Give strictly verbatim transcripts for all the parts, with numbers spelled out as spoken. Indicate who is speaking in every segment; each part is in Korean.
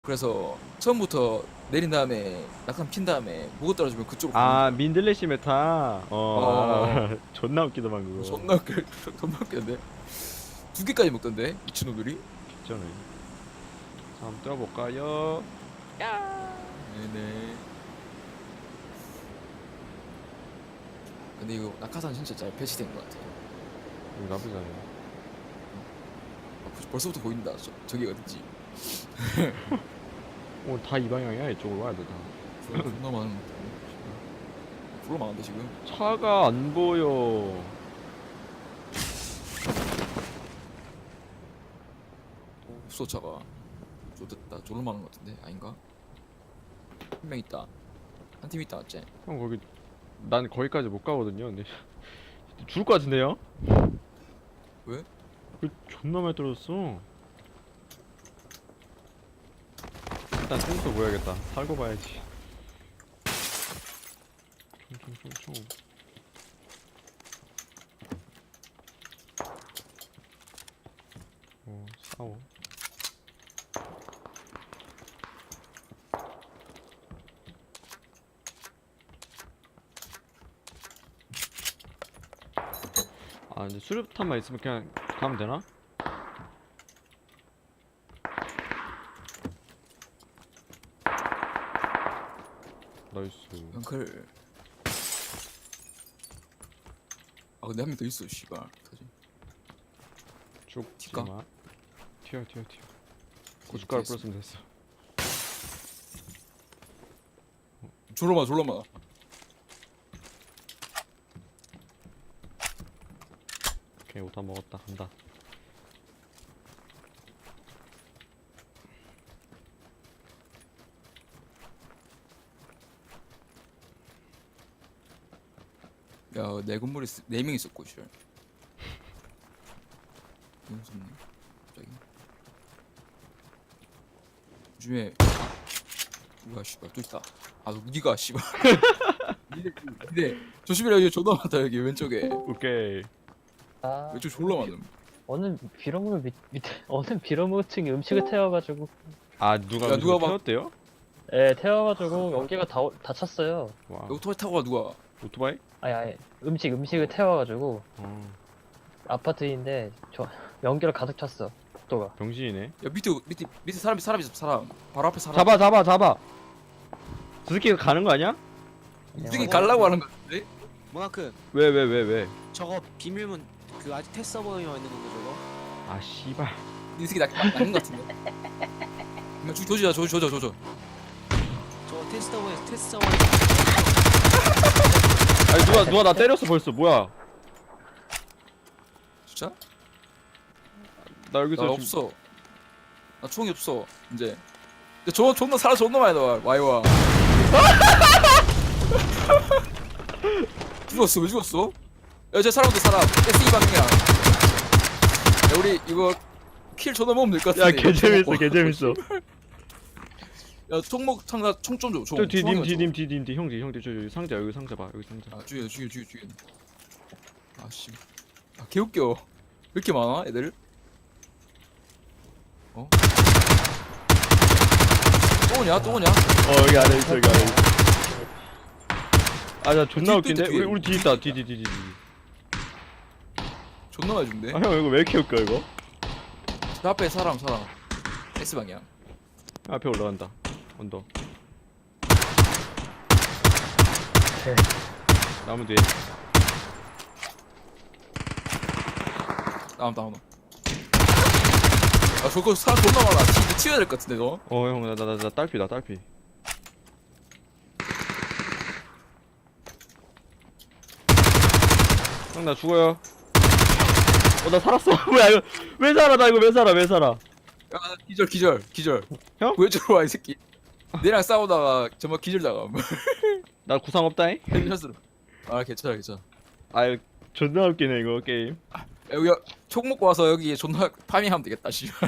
Speaker 1: 그래서 처음부터 내린 다음에 낙하산 핀 다음에 무거 떨어지면 그쪽으로
Speaker 2: 아
Speaker 1: 가는
Speaker 2: 민들레시 메타. 어,
Speaker 1: 어.
Speaker 2: 존나 웃기더만 그거.
Speaker 1: 거야. 존나 웃겨. 존나 웃겼는데 두 개까지 먹던데 미친놈들이.
Speaker 2: 진짜네. 자, 한번 뛰어볼까요?
Speaker 1: 네네. 근데 이거 낙하산 진짜 잘 배치된 것 같아.
Speaker 2: 이거 나쁘지 않네.
Speaker 1: 아, 벌- 벌써부터 보인다. 저, 저기 어딘지.
Speaker 2: 오, 다 이 방향이야. 이쪽으로 와야 돼 다.
Speaker 1: 존나 많은 것 같아. 졸라 많은데 지금.
Speaker 2: 차가 안 보여.
Speaker 1: 수소차가 좋됐다. 졸라 많은 것 같은데 아닌가? 한 명 있다. 한 팀 있다 맞지?
Speaker 2: 형 거기 난 거기까지 못 가거든요. 근데 죽을 것 같은데요?
Speaker 1: 왜?
Speaker 2: 그 존나 많이 떨어졌어. 일단 총부터 보야겠다. 살고 봐야지. 총총총총. 어 싸워. 아 이제 수류탄만 있으면 그냥 가면 되나? 나이스.
Speaker 1: 엉클. 아 근데 한 명 더 있어 씨발. 어떡하지? 튈까?
Speaker 2: 죽지마. 튀어 튀어 튀어.
Speaker 1: 튀었어.
Speaker 2: 고춧가루 뿌렸으면 됐어.
Speaker 1: 졸라 많아 졸라 많아.
Speaker 2: 오케이 옷 다 먹었다. 간다.
Speaker 1: 야내 건물에 네 명 있었고 씨발. 너무 무섭네. 갑자기. 요즘에 뭐야 씨발 또 있다. 아 니가 씨발. 니네 니네 조심해라 여기 존나 많다 여기 왼쪽에.
Speaker 2: 오케이.
Speaker 3: 아,
Speaker 1: 왼쪽 졸라 많음.
Speaker 3: 어느 비료물 밑, 밑에 어느 비료물층이 음식을 태워가지고
Speaker 2: 아 누가
Speaker 1: 야, 누가
Speaker 2: 누가
Speaker 1: 막-
Speaker 2: 태웠대요?
Speaker 3: 예 태워가지고 연기가 다 다 찼어요.
Speaker 2: 와
Speaker 1: 여기 오토바이 타고 가 누가.
Speaker 2: 오토바이?
Speaker 3: 아니 아니 음식 음식을 태워가지고
Speaker 2: 어
Speaker 3: 아파트인데 저 연기를 가득 찼어 복도가.
Speaker 2: 병신이네.
Speaker 1: 야 밑에 밑에 밑에 사람 사람 있어 사람. 바로 앞에 사람.
Speaker 2: 잡아 잡아 잡아. 저 새끼 가는 거 아니야?
Speaker 1: 이쪽에 갈라고 하는 거 같은데?
Speaker 4: 모나크
Speaker 2: 왜 왜 왜 왜?
Speaker 4: 저거 비밀문 그 아직 테스트 서버에만 있는 건가 저거?
Speaker 2: 아 씨발.
Speaker 1: 이 새끼 낚 낚는 거 같은데. 이거 조 조지자 조 조져 조져.
Speaker 4: 저거 테스트 서버에 테스트 서버에
Speaker 2: 아니 누가 누가 나 때렸어 벌써. 뭐야?
Speaker 1: 진짜?
Speaker 2: 나 여기서
Speaker 1: 나
Speaker 2: 지금-
Speaker 1: 없어. 나 총이 없어 이제. 근데 저 존나 사람 존나 많이 나와 와이와. 죽었어 왜 죽었어? 야쟤 사람도 사람. 에스이 방향이야. 야 우리 이거 킬 존나 먹으면 될 것
Speaker 2: 야
Speaker 1: 같은데.
Speaker 2: 개 재밌어 개 재밌어.
Speaker 1: 야 총목 창나 총좀 줘. 총.
Speaker 2: 저 뒤 님
Speaker 1: 총이나
Speaker 2: 뒤
Speaker 1: 줘.
Speaker 2: 님 뒤 님 뒤 형제 형제 저 여기 상자 여기 상자 봐 여기 상자.
Speaker 1: 아 죽여 죽여 죽여 죽여. 아씨. 아 개웃겨. 왜 이렇게 많아 애들? 어? 또 오냐 또 오냐?
Speaker 2: 어 여기 안에 있어 여기 안에 있어. 아나 존나
Speaker 1: 뒤에
Speaker 2: 웃긴데
Speaker 1: 또 있다,
Speaker 2: 우리 우리 뒤 있다 뒤 뒤 뒤 뒤.
Speaker 1: 존나 많이 준대.
Speaker 2: 아형 이거 왜 이렇게 웃겨 이거?
Speaker 1: 그 앞에 사람 사람. S 방향.
Speaker 2: 앞에 올라간다. 언더.
Speaker 3: 네.
Speaker 2: 나무 뒤에.
Speaker 1: 다음 다음. 아 저거 사람 존나 많아. 진짜 튀어야 될 것 같은데 너.
Speaker 2: 어 형 나 나 나 나 딸피다 딸피. 형 나 죽어요. 어 나 살았어. 뭐야 이거 왜 살아 나 이거 왜 살아 왜 살아?
Speaker 1: 야 기절 기절 기절.
Speaker 2: 형?
Speaker 1: 왜 저러 와이 새끼. 내랑 싸우다가 정말 기절 당함.
Speaker 2: 나 구상 없다잉?
Speaker 1: 헤드샷으로. 아 괜찮아 괜찮아.
Speaker 2: 아유 존나 웃기네 이거 게임.
Speaker 1: 야, 여기 총 먹고 와서 여기 존나 파밍하면 되겠다 씨발.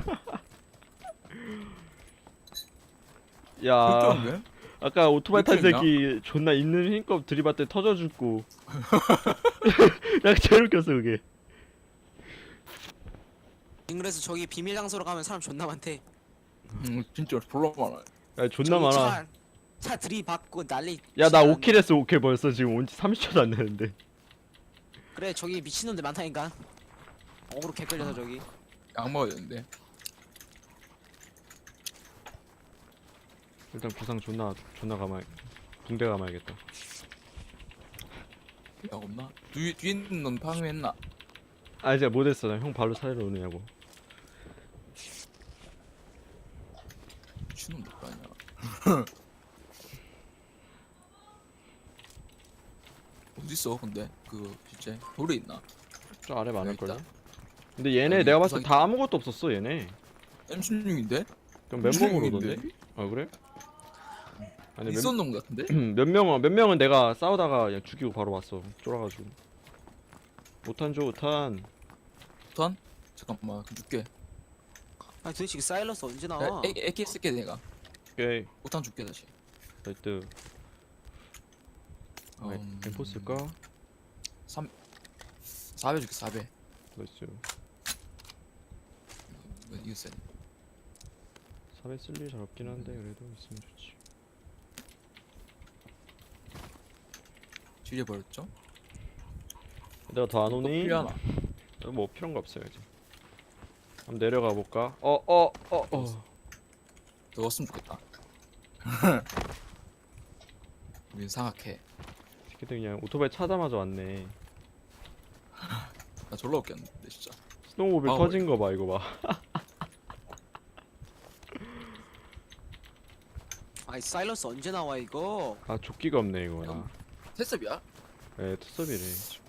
Speaker 2: 야
Speaker 1: 웃겼는데?
Speaker 2: 아까 오토바이 탄
Speaker 1: 웃겼나?
Speaker 2: 새끼 존나 있는 힘껏 들이받대 터져 죽고. 야 제일 웃겼어 그게.
Speaker 4: 그래서 저기 비밀 장소로 가면 사람 존나 많대.
Speaker 1: 음 진짜 졸라 많아.
Speaker 2: 야 존나
Speaker 4: 저기
Speaker 2: 많아.
Speaker 4: 차, 차 들이받고 난리.
Speaker 2: 야 나
Speaker 4: 치는-
Speaker 2: 오 킬 했어. 오 킬 벌써 지금 온 지 삼십 초도 안 되는데.
Speaker 4: 그래 저기 미친놈들 많다니까. 어그로 개 끌려서 저기.
Speaker 1: 약 먹어야 되는데.
Speaker 2: 일단 구상 존나 존나 감아. 붕대 감아야겠다.
Speaker 1: 약 없나? 뒤 뒤에 있는 넌 파밍했나?
Speaker 2: 아 이제 못했어. 나 형 발로 차례로 오느냐고.
Speaker 1: 미친놈 몇 아니야. 어디 있어 근데 그 진짜 돌에 있나?
Speaker 2: 저 아래 많을걸요?
Speaker 1: 있다.
Speaker 2: 근데 얘네
Speaker 1: 여기
Speaker 2: 내가 봤을 때
Speaker 1: 구상이-
Speaker 2: 다 아무것도 없었어 얘네.
Speaker 1: 엠 십육인데?
Speaker 2: 그럼 맨몸으로 오던데? 아 그래? 아니 몇,
Speaker 1: 있었는 것 같은데?
Speaker 2: 몇 명은 몇 명은 내가 싸우다가 그냥 죽이고 바로 왔어. 쫄아가지고. 오탄 줘 오탄.
Speaker 1: 탄? 잠깐만 그 줄게.
Speaker 4: 아 도대체 이 사일러스 언제 나와?
Speaker 1: 에 에케 쓸게 내가.
Speaker 2: 오케이.
Speaker 1: 오탄 줄게 다시.
Speaker 2: 나이트. 아,
Speaker 1: 음,
Speaker 2: 엠포 쓸까?
Speaker 1: 사배 줄게 사배.
Speaker 2: 나이스.
Speaker 1: 이거 이거 쎄.
Speaker 2: 사배 쓸 일 잘 없긴 한데 그래도 있으면 좋지.
Speaker 1: 줄여 버렸죠?
Speaker 2: 내가 더 안
Speaker 1: 또
Speaker 2: 오니?
Speaker 1: 필요하나?
Speaker 2: 어, 뭐 필요한 거 없어요 이제. 한번 내려가 볼까? 어 어 어 어.
Speaker 1: 더 왔으면 좋겠다. 우린 상악해.
Speaker 2: 새끼들 그냥 오토바이 차자마자 왔네.
Speaker 1: 나 졸라 웃겼는데 진짜.
Speaker 2: 스노우모빌
Speaker 1: 아,
Speaker 2: 터진 거 봐 이거 봐.
Speaker 4: 아이 사일러스 언제 나와 이거?
Speaker 2: 아 조끼가 없네 이거 나.
Speaker 1: 테스비야?
Speaker 2: 에 투섭이래.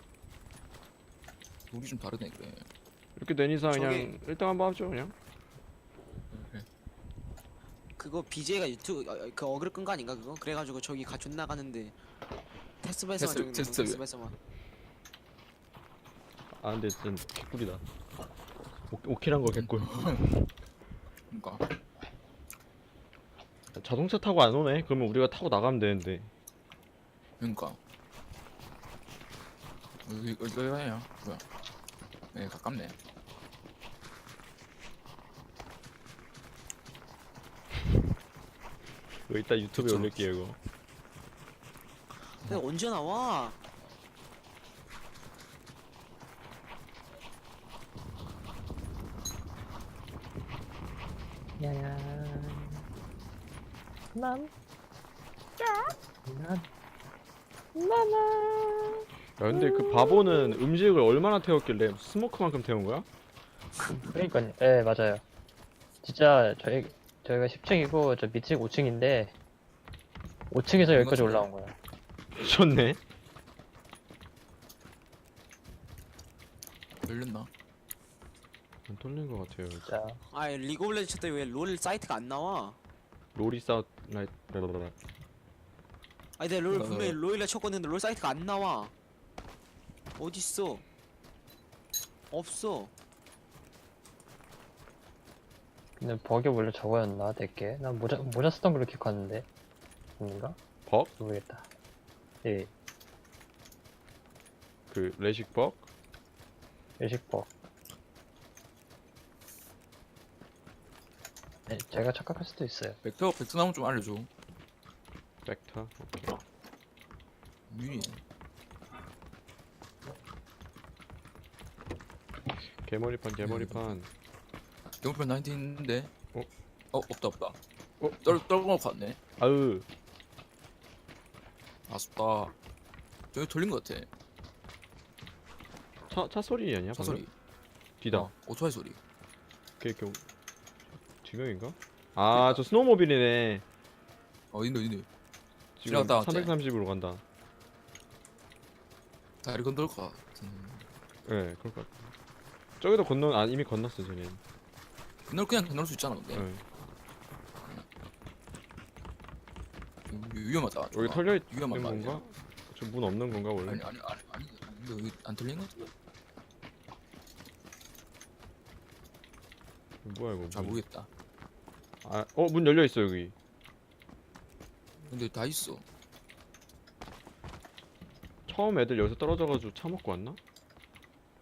Speaker 1: 우리 좀 다르네 그래.
Speaker 2: 이렇게 된 이상
Speaker 4: 저기-
Speaker 2: 그냥 일등 한번 하죠 그냥.
Speaker 1: 그래.
Speaker 4: 그거 비제이가 유튜브 어, 어, 그 어그로 끈 거 아닌가 그거? 그래가지고 저기 가 존나 가는데 테스트에서만
Speaker 1: 테스트-
Speaker 4: 저기
Speaker 1: 테스트 왜?
Speaker 4: 테스트에서만.
Speaker 2: 아 근데 진짜 개꿀이다. 오, 오킬한 거 개꿀.
Speaker 1: 그러니까
Speaker 2: 자동차 타고 안 오네. 그러면 우리가 타고 나가면 되는데.
Speaker 1: 그러니까. 여기 여기 해요. 뭐야? 네 가깝네.
Speaker 2: 이거 이따 유튜브에
Speaker 1: 그쵸.
Speaker 2: 올릴게요 이거.
Speaker 4: 근데 언제 나와?
Speaker 3: 야야. 난. 난. 나나.
Speaker 2: 야 근데 그 바보는 음식을 얼마나 태웠길래 스모크만큼 태운 거야?
Speaker 3: 그러니까요. 예, 맞아요. 진짜 저희 저희가 십 층이고 저 밑이 오 층인데 오 층에서 여기까지
Speaker 1: 맞아요.
Speaker 3: 올라온 거야.
Speaker 2: 미쳤네.
Speaker 1: 열렸나?
Speaker 2: 안 뚫린 거 같아요.
Speaker 3: 진짜.
Speaker 4: 아이 리그 오브 레전드 때 왜 롤 사이트가 안 나와?
Speaker 2: 로리 사우 라이 라라라.
Speaker 4: 아니 내가 롤
Speaker 1: 어.
Speaker 4: 분명히 롤이라 쳤거든데 롤 사이트가 안 나와. 어딨어? 없어.
Speaker 3: 근데 버기 원래 저거였나 내게? 난 모자 모자 쓰던 걸로 기억하는데. 아닌가?
Speaker 2: 벅?
Speaker 3: 모르겠다. 예,
Speaker 2: 그 레식 벅?
Speaker 3: 일식버. 네, 제가 착각할 수도 있어요.
Speaker 1: 벡터 벡터 나오면 좀 알려줘.
Speaker 2: 벡터. 오케이.
Speaker 1: 유니.
Speaker 2: 개머리판 개머리판.
Speaker 1: 영편 나인틴 있는데.
Speaker 2: 어?
Speaker 1: 어 없다 없다.
Speaker 2: 어?
Speaker 1: 떨 떨궈놓고 왔네.
Speaker 2: 아으.
Speaker 1: 아쉽다. 저기 돌린 것 같아.
Speaker 2: 차, 차 소리 아니야?
Speaker 1: 차
Speaker 2: 방금?
Speaker 1: 소리.
Speaker 2: 뒤다.
Speaker 1: 어, 오토바이 소리.
Speaker 2: 걔, 걔, 두 명인가? 아, 저 스노우모빌이네.
Speaker 1: 어 있네 있네.
Speaker 2: 지금
Speaker 1: 지나갔다 왔지?
Speaker 2: 삼백삼십으로 간다.
Speaker 1: 다리 건들 것 같은.
Speaker 2: 예, 네, 그럴 것 같아. 저기도 건너, 아, 이미 건넜어, 쟤네.
Speaker 1: 건널 그냥 건널 수 있잖아 근데.
Speaker 2: 예.
Speaker 1: 위- 위험하다.
Speaker 2: 여기
Speaker 1: 저거.
Speaker 2: 털려 있는
Speaker 1: 위험한 말이야.
Speaker 2: 건가? 저 문 없는 건가, 원래?
Speaker 1: 아니 아니 아니 아니. 이거 여기 안 털린 것 같은데.
Speaker 2: 뭐야, 이거.
Speaker 1: 잘
Speaker 2: 문.
Speaker 1: 모르겠다.
Speaker 2: 아, 어, 문 열려 있어, 여기.
Speaker 1: 근데 다 있어.
Speaker 2: 처음 애들 여기서 떨어져가지고 차 먹고 왔나?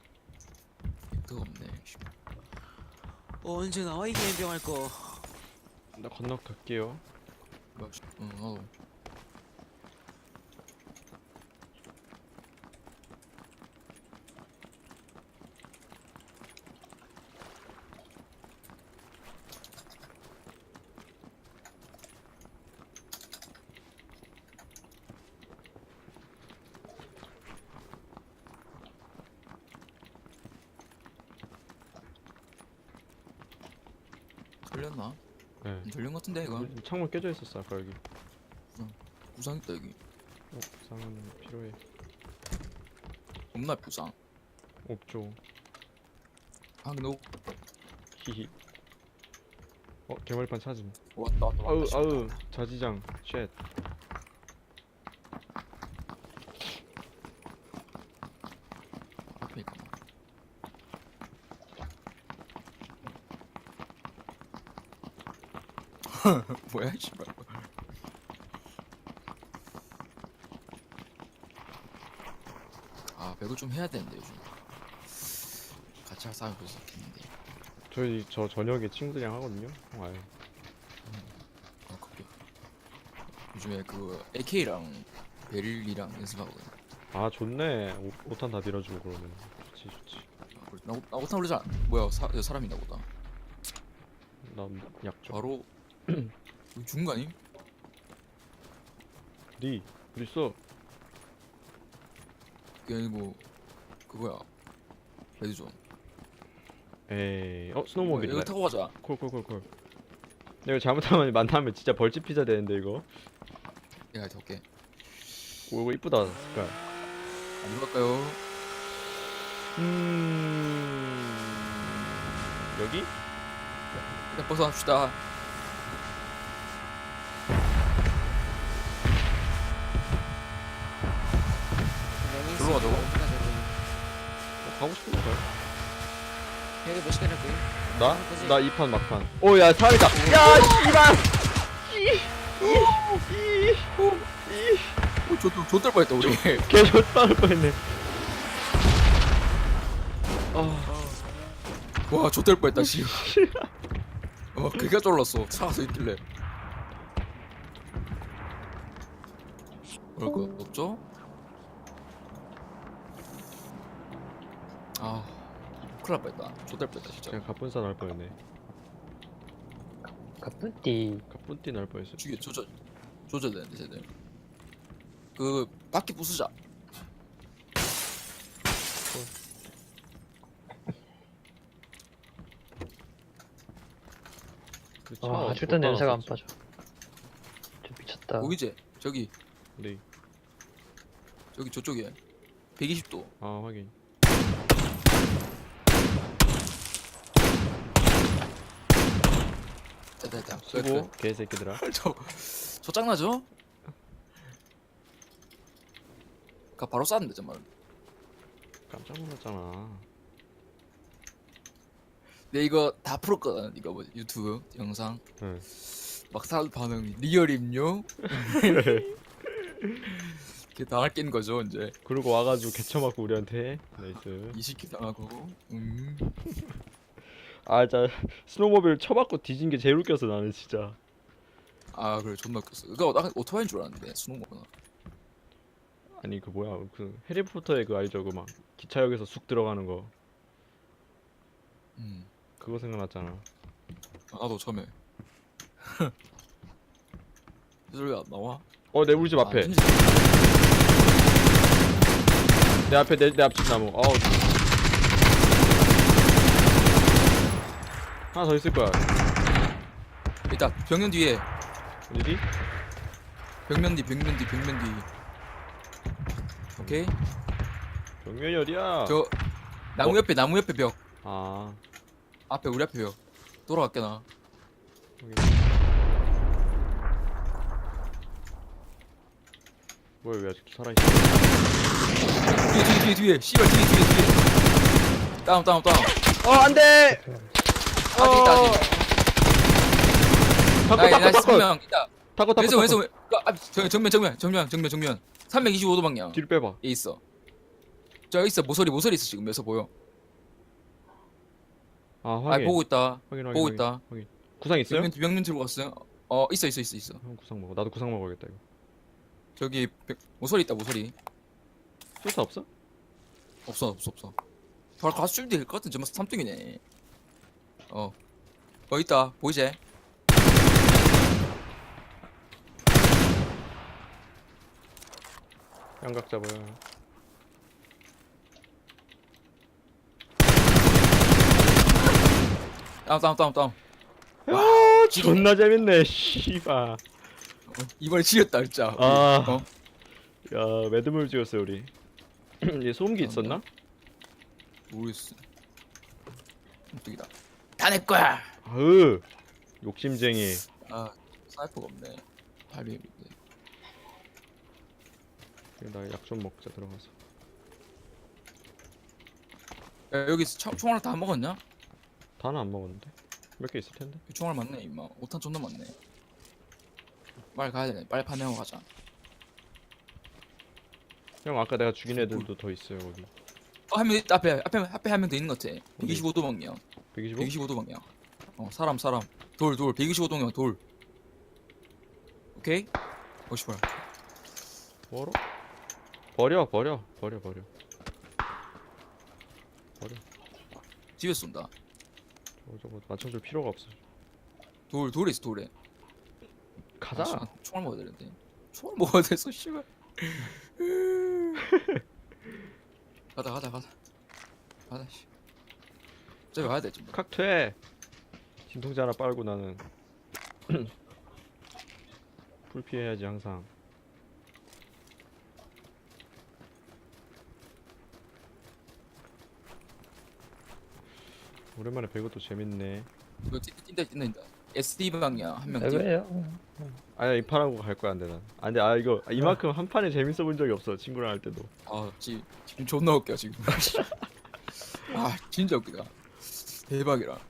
Speaker 1: 그거 없네. 씨.
Speaker 4: 어, 언제 나와 이 게임병 할 거?
Speaker 2: 나 건너갈게요.
Speaker 1: 뭐야, 씨. 응, 나도. 털렸나?
Speaker 2: 네.
Speaker 1: 안 털린 것 같은데 이거.
Speaker 2: 창문 깨져 있었어 아까 여기.
Speaker 1: 부상 있다 여기.
Speaker 2: 어, 부상은 필요해.
Speaker 1: 겁나 부상.
Speaker 2: 없죠.
Speaker 1: 아 근데 너
Speaker 2: 히히. 어, 개머리판 찾음.
Speaker 1: 왔다 왔다
Speaker 2: 아우,
Speaker 1: 왔다.
Speaker 2: 아우, 자지장. 쉣.
Speaker 1: 앞에 있구나. 뭐야 씨발. 아 배구 좀 해야 되는데 요즘. 같이 할 사람이 벌써 있는데.
Speaker 2: 저희 저 저녁에 친구들이랑 하거든요. 형 아유.
Speaker 1: 아 그게. 요즘에 그 에이케이랑 베릴이랑 연습하거든.
Speaker 2: 아 좋네. 오, 오탄 다 밀어주고 그러면 좋지 좋지.
Speaker 1: 아, 그래. 나, 나 오탄 올리자. 뭐야 사, 야, 사람이나 보다.
Speaker 2: 난 약점.
Speaker 1: 바로 여기 죽은 거 아님?
Speaker 2: 니 어디 있어?
Speaker 1: 그게 아니고 그거야. 레드존.
Speaker 2: 에이, 어
Speaker 1: 이거
Speaker 2: 스노우모빌이다.
Speaker 1: 타고 가자.
Speaker 2: 콜콜콜콜. 이거 잘못하면 만나면 진짜 벌집 피자 되는데 이거.
Speaker 1: 내가 해볼게.
Speaker 2: 오 이거 이쁘다 색깔.
Speaker 1: 어디로 갈까요?
Speaker 2: 음 여기?
Speaker 1: 일단 벗어납시다. 저리로 가자고?
Speaker 2: 어, 가고 싶은 거야?
Speaker 4: 여기 몇 시간 할 거예요?
Speaker 2: 나?
Speaker 4: 그지?
Speaker 2: 나 이 판 막판. 오야 사람이다. 야 씨발.
Speaker 1: 오, 저, 저, 저 뻔했다 우리.
Speaker 2: 개 좆다울 뻔했네. 아
Speaker 1: 와, 좆될 뻔했다 씨. 어, 그가 쫄랐어. 차가 서 있길래. 그럴 거 없죠? 아, 큰일 날 뻔했다. 좆될 뻔했다 진짜.
Speaker 2: 그냥 갑분싸 날 뻔했네.
Speaker 3: 가뿐띠.
Speaker 2: 갑분띠 날 뻔했어.
Speaker 1: 죽여, 조져, 조져야 되는데 쟤들. 그 바퀴 부수자.
Speaker 2: 그 차
Speaker 3: 아,
Speaker 2: 어디
Speaker 3: 아직도
Speaker 2: 못
Speaker 3: 냄새가 안
Speaker 2: 따놨었지?
Speaker 3: 빠져. 좀 미쳤다.
Speaker 1: 보이지? 저기,
Speaker 2: 네.
Speaker 1: 저기 저쪽에. 백이십 도.
Speaker 2: 아 확인.
Speaker 1: 됐다 됐다.
Speaker 2: 수고 개새끼들아.
Speaker 1: 저, 저 짱나죠? 가 바로 쐈는데 정말.
Speaker 2: 깜짝 놀랐잖아.
Speaker 1: 내 이거 다 풀었거든. 이거 뭐 유튜브 영상.
Speaker 2: 응.
Speaker 1: 막 사람 반응 리얼임요? 이렇게 당할 낀 거죠 이제.
Speaker 2: 그리고 와가지고 개쳐맞고 우리한테. 나이스.
Speaker 1: 이십킬 당하고. 음.
Speaker 2: 아 진짜 스노우모빌 쳐맞고 뒤진 게 제일 웃겼어 나는 진짜.
Speaker 1: 아 그래 존나 웃겼어. 그거 나 오토바이인 줄 알았는데 수능거구나.
Speaker 2: 아니 그 뭐야 그 해리포터의 그 알죠 그 막 기차역에서 쑥 들어가는 거
Speaker 1: 음.
Speaker 2: 그거 생각났잖아.
Speaker 1: 아, 나도 처음에. 이 소리가 나와?
Speaker 2: 어 내 우리 집 앞에
Speaker 1: 아, 안 들리지?
Speaker 2: 내 앞에 내, 내 앞집 나무. 어우 하나 더 있을 거야.
Speaker 1: 일단 벽면 뒤에.
Speaker 2: 어디지?
Speaker 1: 벽면 뒤 벽면 뒤 벽면 뒤. 오케이.
Speaker 2: 정면이 어디야?
Speaker 1: 저 나무 옆에 나무 옆에 벽.
Speaker 2: 아
Speaker 1: 앞에 우리 앞에 벽. 돌아갈게 나.
Speaker 2: 여기. 뭐야 왜 아직도 살아있어?
Speaker 1: 뒤에 뒤에 뒤에 뒤에. 씨발 뒤에 뒤에 뒤에. 다운 다운 다운.
Speaker 2: 어 안돼!
Speaker 1: 아직 있다 아직.
Speaker 2: 타코
Speaker 1: 나
Speaker 2: 타코
Speaker 1: 나
Speaker 2: 타코
Speaker 1: 삼명 있다.
Speaker 2: 타코 타코
Speaker 1: 왼손 왼손
Speaker 2: 타코
Speaker 1: 왼- 아, 정- 정면 정면 정면 정면 정면. 삼백이십오 도 방향.
Speaker 2: 뒤로 빼봐.
Speaker 1: 얘 있어. 저 있어 모서리 모서리 있어 지금 여기서 보여.
Speaker 2: 아
Speaker 1: 아
Speaker 2: 확인
Speaker 1: 보고 있다.
Speaker 2: 확인 확인
Speaker 1: 보고
Speaker 2: 확인,
Speaker 1: 있다.
Speaker 2: 확인. 구상 있어요?
Speaker 1: 명륜 명륜 들고 갔어요? 어 있어 있어 있어 있어.
Speaker 2: 형 구상 먹어. 나도 구상 먹어야겠다 이거.
Speaker 1: 저기 백- 모서리 있다 모서리.
Speaker 2: 술사 없어?
Speaker 1: 없어 없어 없어. 바로 가서 쉴드 될것 같은 정말 삼뚱이네. 어. 어 있다 보이지?
Speaker 2: 양각 잡아요.
Speaker 1: 다운 다운 다운 다운.
Speaker 2: 아 존나 재밌네. 씨발.
Speaker 1: 이번에 지렸다 진짜.
Speaker 2: 아.
Speaker 1: 어?
Speaker 2: 야 매드물 찍었어요 우리. 얘 소음기 있었나?
Speaker 1: 모르겠어. 삼뚱이다. 다 내 거야.
Speaker 2: 아으 욕심쟁이.
Speaker 1: 아 사이퍼가 없네. 발비인데.
Speaker 2: 나 약 좀 먹자 들어가서.
Speaker 1: 야 여기 총- 총알 다 먹었냐?
Speaker 2: 다는 안 먹었는데 몇 개 있을 텐데.
Speaker 1: 총알 많네 임마. 오탄 존나 많네. 빨리 가야 되네. 빨리 파밍하고 가자.
Speaker 2: 형 아까 내가 죽인 애들도 더 있어요 거기.
Speaker 1: 어, 한 명 있다. 앞에 앞에 앞에 한 명 더 있는 것 같아. 백이십오 도 방향.
Speaker 2: 백이십오?
Speaker 1: 백이십오 도 방향. 어 사람 사람. 돌 돌. 백이십오 도면 돌. 오케이. 어 씨발.
Speaker 2: 뭐로? 버려 버려 버려 버려. 버려.
Speaker 1: 집에 쏜다.
Speaker 2: 저거 저거 맞춰줄 필요가 없어.
Speaker 1: 돌 돌에 있어 돌에.
Speaker 2: 가자.
Speaker 1: 아, 씨발, 총알 먹어야 되는데. 총알 먹어야 돼서 씨발. 가자 가자 가자. 가자 씨. 저기 가야 돼 지금.
Speaker 2: 칵퇴. 진통제 하나 빨고 나는 풀 피해야지 항상. 오랜만에 배그도 재밌네.
Speaker 1: 이거 뛴다 뛴다 뛴다. 에스디 방향 한 명 뛰어.
Speaker 3: 왜요?
Speaker 2: 아니야 이 판하고 갈 거야 안돼 난. 아 근데 아 이거 이만큼 한 판에 재밌어 본 적이 없어 친구랑 할 때도.
Speaker 1: 아 지, 지금 존나 웃겨 지금. 아 진짜 웃기다. 대박이라.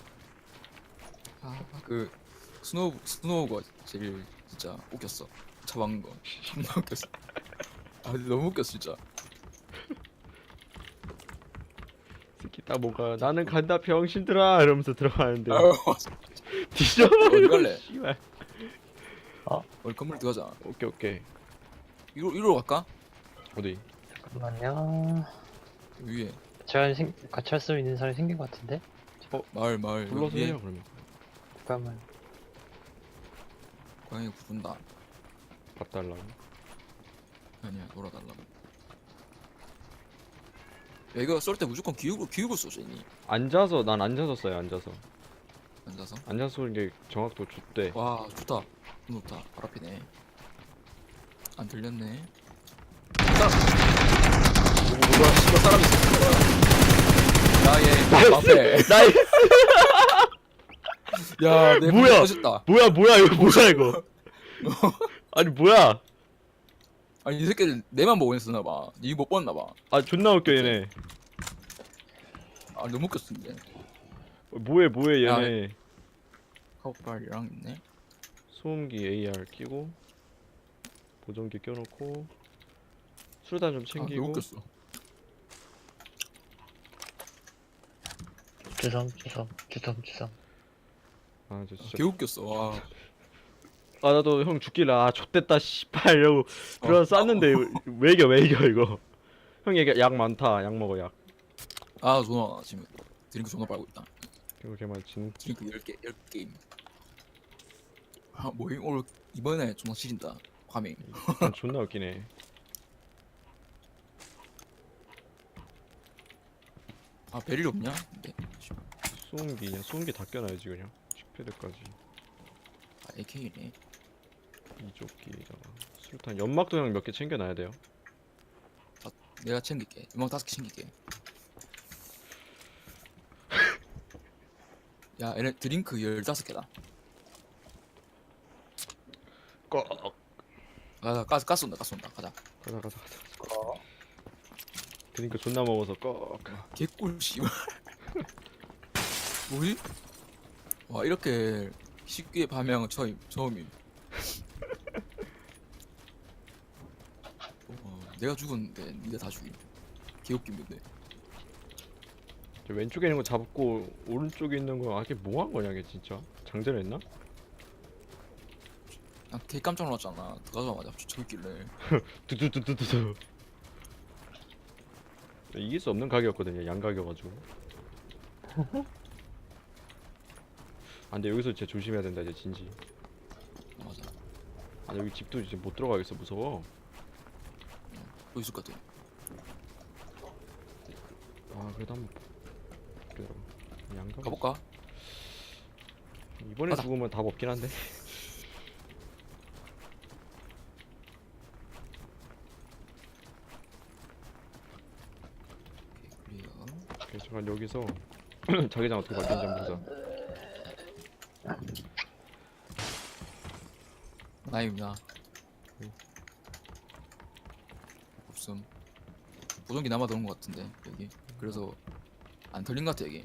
Speaker 1: 아그 스노우 스노우가 제일 진짜 웃겼어. 잡은 거 존나 웃겼어. 아 근데 너무 웃겼어 진짜.
Speaker 2: 특히 딱 뭔가 나는 간다 병신들아 이러면서 들어가는데
Speaker 1: 아유
Speaker 2: 뒤져버려.
Speaker 1: 어디 갈래?
Speaker 2: 씨발.
Speaker 1: 우리 건물 들어가자.
Speaker 2: 오케이 오케이.
Speaker 1: 이로 이로 갈까?
Speaker 2: 어디?
Speaker 3: 잠깐만요.
Speaker 1: 위에
Speaker 3: 제가 생, 같이 할 수 있는 사람이 생긴 것 같은데?
Speaker 1: 마을 마을
Speaker 2: 불러서
Speaker 1: 위에
Speaker 2: 해요 그러면.
Speaker 3: 잠깐만.
Speaker 1: 고양이 부른다.
Speaker 2: 밥 달라고.
Speaker 1: 아니야 놀아달라고. 야 이거 쏠 때 무조건 기울고 기울고 쏘지니.
Speaker 2: 앉아서 난 앉아서 써요 앉아서.
Speaker 1: 앉아서.
Speaker 2: 앉아서 쏘는 게 정확도 좋대.
Speaker 1: 와 좋다. 너무 좋다. 발 앞이네. 안 들렸네. 사람. 오, 뭐야? 씨발 사람 있어. 나의 앞에.
Speaker 2: 나이
Speaker 1: 야내
Speaker 2: 뭐야?
Speaker 1: 터졌다.
Speaker 2: 뭐야 뭐야 이거 뭐야 이거. 아니 뭐야?
Speaker 1: 아니 이 새끼들 내만 보고 있었나 봐. 니못 봤나 봐.
Speaker 2: 아 존나 웃겨 얘네.
Speaker 1: 아 너무 웃겼어 근데.
Speaker 2: 뭐해 뭐해
Speaker 1: 야,
Speaker 2: 얘네.
Speaker 1: 카우팔이랑 있네.
Speaker 2: 소음기 에이알 끼고 보정기 껴놓고 수류탄 좀
Speaker 1: 아 너무
Speaker 2: 챙기고.
Speaker 1: 웃겼어.
Speaker 3: 주섬, 주섬, 주섬, 주섬.
Speaker 2: 아 저
Speaker 1: 아,
Speaker 2: 진짜.
Speaker 1: 개 웃겼어. 와.
Speaker 2: 아 나도 형 죽길래 아 좆됐다 씨발 이러고 들어서 쐈는데 왜 이겨 왜 이겨 이거. 형 얘기 약 많다 약 먹어 약.
Speaker 1: 아 존나 지금 드링크 존나 빨고 있다.
Speaker 2: 이거 걔만 진.
Speaker 1: 드링크 열 개 열 게임. 아 뭐임 오늘 이번에 존나 지린다. 과밍.
Speaker 2: 존나 웃기네.
Speaker 1: 아 베릴 없냐? 네.
Speaker 2: 소음기 그냥 소음기 다 껴놔야지 그냥. 식패드까지.
Speaker 1: 아 에이케이네.
Speaker 2: 이조끼에다가 수류탄 연막도 형 몇 개 챙겨놔야 돼요.
Speaker 1: 내가 챙길게. 음악 다섯 개 챙길게. 야 얘네 드링크 열다섯 개다.
Speaker 2: 꼭.
Speaker 1: 가자 가스 가스 온다 가스 온다 가자.
Speaker 2: 가자 가자 가자. 그러니까 존나 먹어서 꼭.
Speaker 1: 개꿀 씨발. 뭐지? 와 이렇게 쉽게 밤양은 처음 처음임. 어, 내가 죽었는데 니가 다 죽임. 개웃김 근데.
Speaker 2: 저 왼쪽에 있는 거 잡고 오른쪽에 있는 거 아, 이게 뭐 한 거냐 이게 진짜. 장전했나?
Speaker 1: 난 개 깜짝 놀랐잖아. 들어가자마자 저기 있길래.
Speaker 2: 두두두두두. 이길 수 없는 가격이었거든요. 양가격가지고. 아 근데 여기서 진짜 조심해야 된다 이제 진지.
Speaker 1: 맞아.
Speaker 2: 아 여기 집도 이제 못 들어가겠어 무서워.
Speaker 1: 여기 있을 것 같아.
Speaker 2: 아 그래도 한번 기다려. 양가.
Speaker 1: 가볼까?
Speaker 2: 이번에
Speaker 1: 가자.
Speaker 2: 죽으면 답 없긴 한데.
Speaker 1: 클리어.
Speaker 2: 오케이, 잠깐 여기서 자기장 어떻게 바뀌는지 한번 보자.
Speaker 1: 나입니다. 없음. 보정기 남아 도는 것 같은데 여기. 그래서 안 털린 것 같아 여기.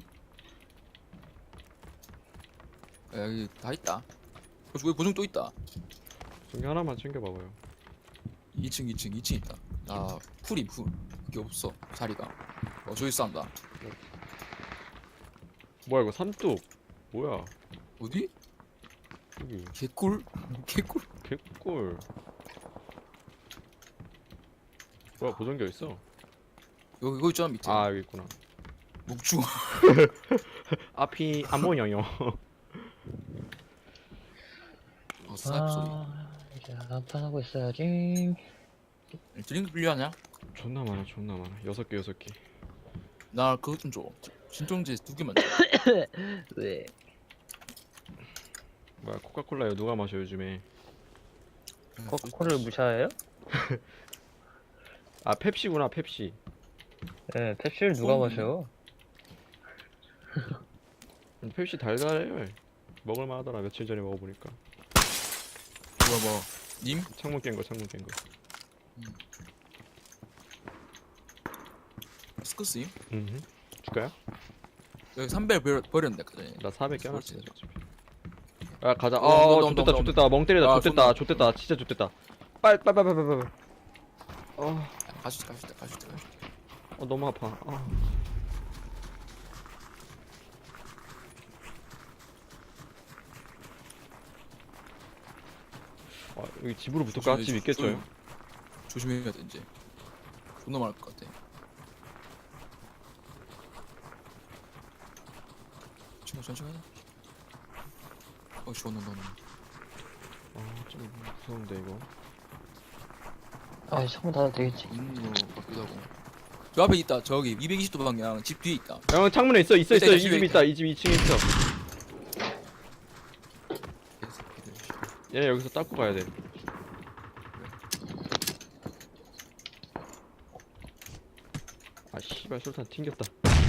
Speaker 1: 야, 여기 다 있다. 어, 여기 보정 또 있다.
Speaker 2: 저기 하나만 챙겨봐봐요.
Speaker 1: 이 층, 이 층, 이 층 있다. 아, 풀이 풀. 이게 없어 자리가. 어 저기 싸운다.
Speaker 2: 뭐야 이거 삼뚝. 뭐야
Speaker 1: 어디?
Speaker 2: 여기
Speaker 1: 개꿀? 개꿀?
Speaker 2: 개꿀. 뭐야 보정기 어딨어?
Speaker 1: 여기 이거 있잖아 밑에.
Speaker 2: 아 여기 있구나.
Speaker 1: 묵주.
Speaker 2: 앞이 안 보여요.
Speaker 1: 어 스나이퍼 소리.
Speaker 3: 아, 이제 한판하고 있어야지.
Speaker 1: 드링크 필요하냐?
Speaker 2: 존나 많아 존나 많아. 여섯 개 여섯 개.
Speaker 1: 나 그것 좀 줘. 진통제 두 개만 줘.
Speaker 3: 왜?
Speaker 2: 뭐야 코카콜라요 누가 마셔 요즘에.
Speaker 3: 코카콜라를 무시해요?
Speaker 2: 아 펩시구나 펩시.
Speaker 3: 네, 펩시를 누가
Speaker 1: 어,
Speaker 3: 마셔요?
Speaker 2: 음, 펩시 달달해요. 먹을만하더라 며칠 전에 먹어보니까.
Speaker 1: 뭐야 뭐 님?
Speaker 2: 창문 깬 거 창문 깬 거.
Speaker 1: 스쿠스임?
Speaker 2: 음. 줄까요?
Speaker 1: 여기 삼백 버려, 버렸는데 아까 전에.
Speaker 2: 나 사백 껴놨어.
Speaker 1: 그렇지.
Speaker 2: 어차피. 아 가자.
Speaker 1: 어,
Speaker 2: 어
Speaker 1: 온다, 온다,
Speaker 2: 좋댔다
Speaker 1: 온다,
Speaker 2: 좋댔다 멍 때리다
Speaker 1: 아,
Speaker 2: 좋댔다
Speaker 1: 손
Speaker 2: 좋댔다 진짜 좋댔다. 빨 빨 빨 빨 빨 빨. 어,
Speaker 1: 가시 가시 가시 가시.
Speaker 2: 어 너무 아파. 어. 아, 여기 집으로 붙을까? 집 있겠죠?
Speaker 1: 조심해야 돼 이제. 존나 많을 것 같아. 친구 천천히 하자. 어 시원한 너는.
Speaker 2: 아좀 무서운데 이거.
Speaker 3: 아, 창문 닫아도 되겠지.
Speaker 1: 있는 거 같기도 하고. 저 앞에 있다. 저기 이백이십 도 방향 집 뒤에 있다.
Speaker 2: 형 창문에 있어 있어
Speaker 1: 있다,
Speaker 2: 있어.
Speaker 1: 있다,
Speaker 2: 이 집
Speaker 1: 집에
Speaker 2: 있다. 이 집 이 층에 있어.
Speaker 1: 개새끼들.
Speaker 2: 얘네 여기서 닦고 가야 돼. 아 씨발 술탄 튕겼다.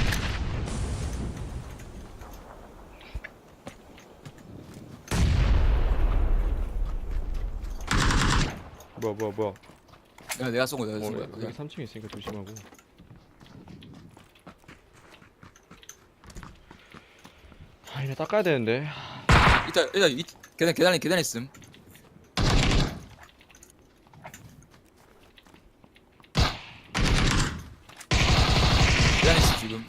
Speaker 2: 뭐야 뭐야 뭐야.
Speaker 1: 야 내가 쏜 거야. 내가
Speaker 2: 어,
Speaker 1: 쏜 거야.
Speaker 2: 여기
Speaker 1: 그냥.
Speaker 2: 삼 층에 있으니까 조심하고. 아 이거 닦아야 되는데.
Speaker 1: 이따 이따 이 계단 계단에 계단에 있음. 계단에 있어 지금.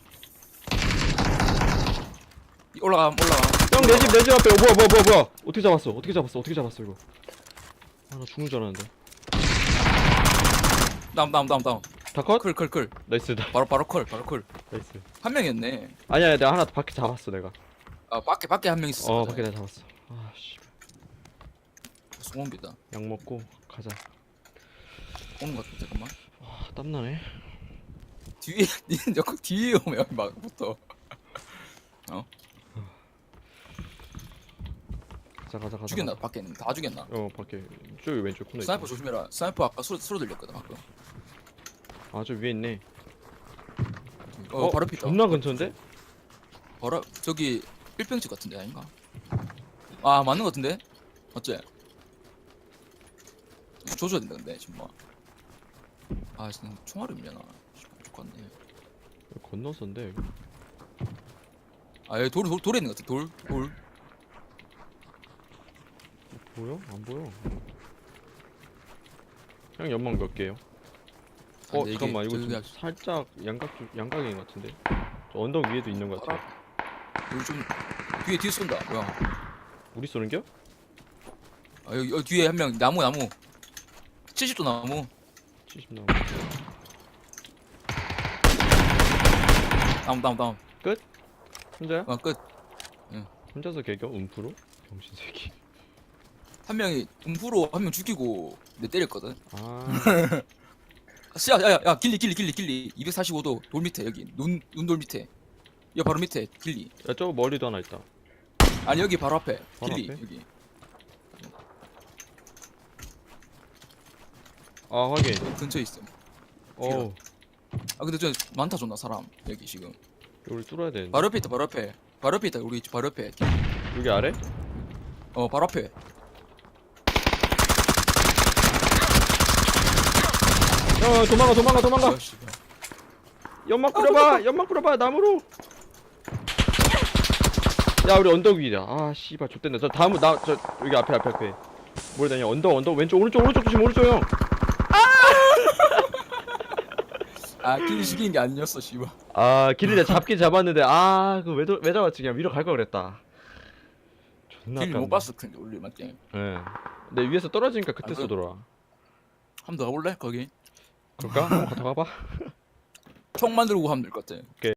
Speaker 1: 이 올라가 올라가.
Speaker 2: 형 내 집 내 집 앞에. 어, 뭐야 뭐야 뭐야 뭐야. 어떻게 잡았어? 어떻게 잡았어? 어떻게 잡았어 이거? 아 나 죽는 줄 알았는데.
Speaker 1: 다음 다음 다음 다음.
Speaker 2: 다 컷?
Speaker 1: 클클 클.
Speaker 2: 나이스 나
Speaker 1: 바로 바로 콜 바로 콜.
Speaker 2: 나이스.
Speaker 1: 한 명이었네.
Speaker 2: 아니야 내가 하나 밖에 잡았어 내가.
Speaker 1: 아 밖에 밖에 한 명 있었어.
Speaker 2: 어 밖에 내가 잡았어. 아씨
Speaker 1: 송원기다.
Speaker 2: 약 먹고 가자.
Speaker 1: 오는 것 같아 잠깐만.
Speaker 2: 아 땀나네.
Speaker 1: 뒤에 니는 자꾸 뒤에 오면 막 붙어.
Speaker 2: 가자 가자 가자.
Speaker 1: 죽였나
Speaker 2: 가자.
Speaker 1: 밖에 있는 다 죽였나?
Speaker 2: 어 밖에 저기 왼쪽 코너
Speaker 1: 스나이퍼
Speaker 2: 있어.
Speaker 1: 조심해라. 스나이퍼 아까 소리 소리 들렸거든 방금.
Speaker 2: 아저 위에 있네.
Speaker 1: 어, 바로 피다.
Speaker 2: 존나 근처인데?
Speaker 1: 바로 저기 일평집 같은데 아닌가? 아 맞는 것 같은데? 어째? 조져야 된다 근데 지금 뭐. 아 지금 총알이 없냐나. 죽겠네.
Speaker 2: 여기 건너서인데 여기.
Speaker 1: 아 여기 돌, 돌 돌에 있는 것 같아. 돌 돌.
Speaker 2: 보여? 안 보여. 형 연막 몇 개요?
Speaker 1: 아,
Speaker 2: 어
Speaker 1: 네 개.
Speaker 2: 잠깐만 이거
Speaker 1: 저기
Speaker 2: 지금 살짝 양각 쪽- 양각인 것 같은데. 저 언덕 위에도 있는 것 같아.
Speaker 1: 여기 좀 뒤에 뒤에 쏜다. 뭐야?
Speaker 2: 우리 쏘는겨?
Speaker 1: 아 여기, 여기 뒤에 한 명 나무 나무. 칠십 도 나무.
Speaker 2: 칠십 나무.
Speaker 1: 다운 다운 다운.
Speaker 2: 혼자야?
Speaker 1: 아 끝.
Speaker 2: 혼자서 개겨? 음프로? 병신 새끼.
Speaker 1: 한 명이 음프로 한 명 죽이고 내 때렸거든.
Speaker 2: 아.
Speaker 1: 야야야 야, 길리 길리 길리 길리 이백사십오 도 돌 밑에 여기 눈 눈돌 밑에. 여 바로 밑에 길리.
Speaker 2: 야, 저 머리도 하나 있다.
Speaker 1: 아니 여기 바로 앞에
Speaker 2: 바로
Speaker 1: 길리
Speaker 2: 앞에?
Speaker 1: 여기.
Speaker 2: 아, 확인.
Speaker 1: 여기 근처에 있어.
Speaker 2: 어우,
Speaker 1: 아 근데 저 많다 존나 사람 여기 지금.
Speaker 2: 여기 뚫어야 되는데.
Speaker 1: 바로 옆에 있다 바로 옆에. 바로 옆에 있다 우리 집 바로 옆에.
Speaker 2: 여기 아래?
Speaker 1: 어 바로 앞에.
Speaker 2: 야, 도망가, 도망가, 도망가.
Speaker 1: 아, 씨발.
Speaker 2: 연막 뿌려봐, 연막 뿌려봐, 나무로. 야, 우리 언덕 위다. 아, 씨발, 좆됐네. 저 다음, 나, 저 여기 앞에, 앞에, 앞에. 뭘 다냐? 언덕, 언덕, 왼쪽, 오른쪽, 오른쪽 조심, 오른쪽 형.
Speaker 1: 아 길리 죽이는 게 아니었어 씨발.
Speaker 2: 아, 길을 내가 잡긴 잡았는데, 아, 그왜 왜 잡았지? 그냥 위로 갈 걸 그랬다. 존나
Speaker 1: 길리 못
Speaker 2: 아깝네.
Speaker 1: 봤을 텐데 우리 맞지?
Speaker 2: 예. 근데 위에서 떨어지니까 그때
Speaker 1: 아, 그-
Speaker 2: 쏘더라.
Speaker 1: 한 번 더 가볼래 거기?
Speaker 2: 그럴까? 한번 갔다 가봐.
Speaker 1: 총 만들고 하면 될 것 같아.